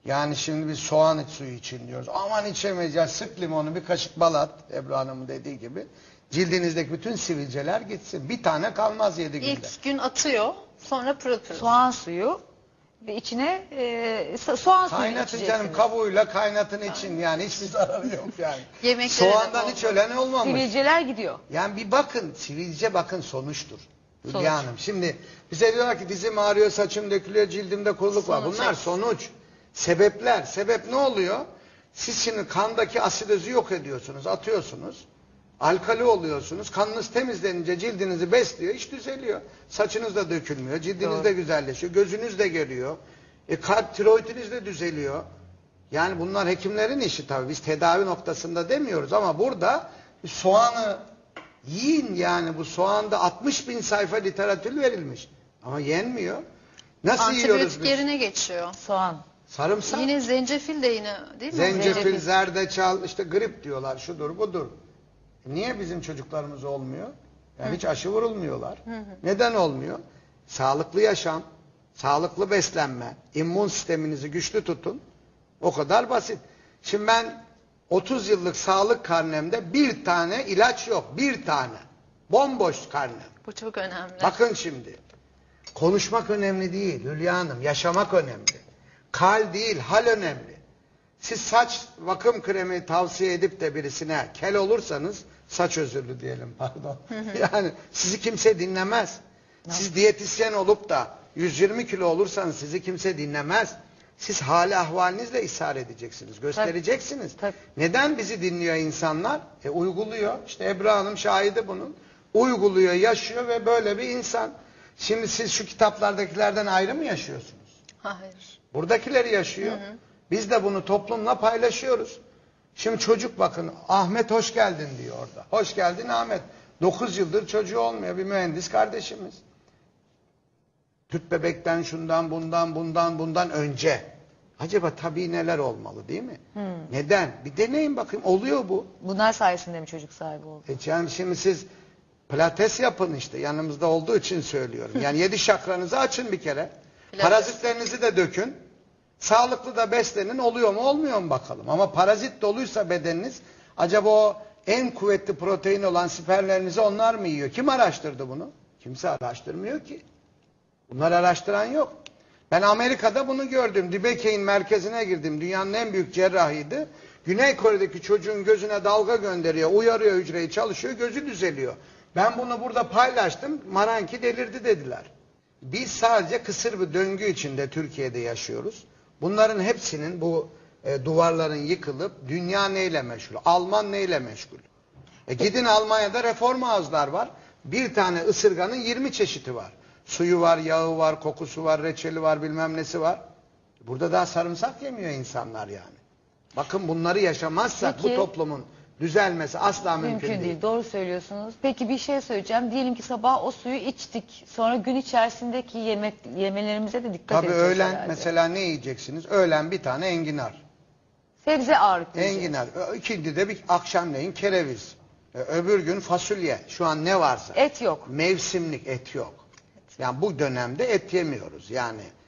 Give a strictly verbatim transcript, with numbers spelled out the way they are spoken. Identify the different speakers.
Speaker 1: Yani şimdi biz soğan suyu için diyoruz. Aman içemeyeceğiz. Sık limonu, bir kaşık bal at. Ebru Hanım'ın dediği gibi. Cildinizdeki bütün sivilceler gitsin. Bir tane kalmaz yedi günde.
Speaker 2: İlk gün atıyor, sonra pırıl pırıl.
Speaker 3: Soğan suyu ve içine e, soğan suyu
Speaker 1: Kaynatın canım,
Speaker 3: içeceksiniz.
Speaker 1: kabuğuyla kaynatın için, yani hiçbir zararı yok yani.
Speaker 2: Yemeklere de
Speaker 1: Soğandan
Speaker 2: bol
Speaker 1: hiç
Speaker 2: bol.
Speaker 1: ölen olmamış.
Speaker 3: Sivilceler gidiyor.
Speaker 1: Yani bir bakın, sivilce bakın sonuçtur.
Speaker 3: Sonuç.
Speaker 1: Hülya Hanım. Şimdi bize diyorlar ki dizim ağrıyor, saçım dökülüyor, cildimde kuruluk var.
Speaker 2: Sonuç
Speaker 1: Bunlar
Speaker 2: evet.
Speaker 1: sonuç. Sebepler. Sebep ne oluyor? Siz şimdi kandaki asidozu yok ediyorsunuz, atıyorsunuz. Alkali oluyorsunuz. Kanınız temizlenince cildinizi besliyor, iş düzeliyor. Saçınız da dökülmüyor, cildiniz
Speaker 3: Doğru.
Speaker 1: de güzelleşiyor, gözünüz de görüyor. E kalp, tiroidiniz de düzeliyor. Yani bunlar hekimlerin işi tabii. Biz tedavi noktasında demiyoruz ama burada soğanı yiyin, yani bu soğanda altmış bin sayfa literatür verilmiş. Ama yenmiyor. Nasıl yiyoruz
Speaker 2: Antibiyotik
Speaker 1: biz?
Speaker 2: yerine geçiyor.
Speaker 3: Soğan.
Speaker 1: Sarımsak.
Speaker 2: Yine zencefil de yine değil mi?
Speaker 1: Zencefil,
Speaker 3: Zencefil.
Speaker 1: zerdeçal, işte grip diyorlar, şudur budur. Niye bizim çocuklarımız olmuyor? Yani hiç aşı vurulmuyorlar. Neden olmuyor? Sağlıklı yaşam, sağlıklı beslenme, immün sisteminizi güçlü tutun. O kadar basit. Şimdi ben otuz yıllık sağlık karnemde bir tane ilaç yok. Bir tane. Bomboş karnem.
Speaker 2: Bu çok önemli.
Speaker 1: Bakın şimdi. Konuşmak önemli değil Hülya Hanım. Yaşamak önemli. Kal değil, hal önemli. Siz saç vakum kremi tavsiye edip de birisine kel olursanız, saç özürlü diyelim pardon. Yani sizi kimse dinlemez. Siz diyetisyen olup da yüz yirmi kilo olursanız sizi kimse dinlemez. Siz hali ahvalinizle ishar edeceksiniz, göstereceksiniz.
Speaker 3: Tabii.
Speaker 1: Neden bizi dinliyor insanlar? E uyguluyor. İşte Ebru Hanım şahidi bunun. Uyguluyor, yaşıyor ve böyle bir insan. Şimdi siz şu kitaplardakilerden ayrı mı yaşıyorsunuz?
Speaker 2: Hayır.
Speaker 1: Buradakileri yaşıyor. Hı hı. Biz de bunu toplumla paylaşıyoruz. Şimdi çocuk bakın, Ahmet hoş geldin diyor orada. Hoş geldin Ahmet. dokuz yıldır çocuğu olmuyor, bir mühendis kardeşimiz. Tüp bebekten, şundan, bundan, bundan, bundan önce. Acaba tabii neler olmalı değil mi? Hmm. Neden? Bir deneyin bakayım, oluyor bu.
Speaker 3: Bunlar sayesinde mi çocuk sahibi oldu?
Speaker 1: E yani şimdi siz pilates yapın işte, yanımızda olduğu için söylüyorum. Yani yedi şakranızı açın bir kere.
Speaker 2: Pilates.
Speaker 1: Parazitlerinizi de dökün. Sağlıklı da beslenin, oluyor mu olmuyor mu bakalım. Ama parazit doluysa bedeniniz, acaba o en kuvvetli protein olan spermlerinizi onlar mı yiyor? Kim araştırdı bunu? Kimse araştırmıyor ki. Bunları araştıran yok. Ben Amerika'da bunu gördüm. Dibekey'in merkezine girdim. Dünyanın en büyük cerrahiydi. Güney Kore'deki çocuğun gözüne dalga gönderiyor, uyarıyor, hücreyi çalışıyor, gözü düzeliyor. Ben bunu burada paylaştım. Maranki delirdi dediler. Biz sadece kısır bir döngü içinde Türkiye'de yaşıyoruz. Bunların hepsinin, bu e, duvarların yıkılıp dünya neyle meşgul? Alman neyle meşgul? E, gidin Almanya'da reform ağızlar var. Bir tane ısırganın yirmi çeşidi var. Suyu var, yağı var, kokusu var, reçeli var, bilmem nesi var. Burada daha sarımsak yemiyor insanlar yani. Bakın bunları yaşamazsak
Speaker 3: Peki,
Speaker 1: bu toplumun düzelmesi asla mümkün,
Speaker 3: Mümkün değil.
Speaker 1: değil.
Speaker 3: Doğru söylüyorsunuz. Peki bir şey söyleyeceğim. Diyelim ki sabah o suyu içtik. Sonra gün içerisindeki yemek yemelerimize de dikkat
Speaker 1: Tabii
Speaker 3: edeceğiz
Speaker 1: öğlen
Speaker 3: herhalde.
Speaker 1: mesela ne yiyeceksiniz? Öğlen bir tane enginar.
Speaker 3: Sebze ağırlıklı yiyeceğiz.
Speaker 1: Enginar. Ö- İkindi de bir akşamleyin kereviz. Ee, Öbür gün fasulye. Şu an ne varsa.
Speaker 3: Et yok.
Speaker 1: Mevsimlik et yok. Yani bu dönemde et yemiyoruz. Yani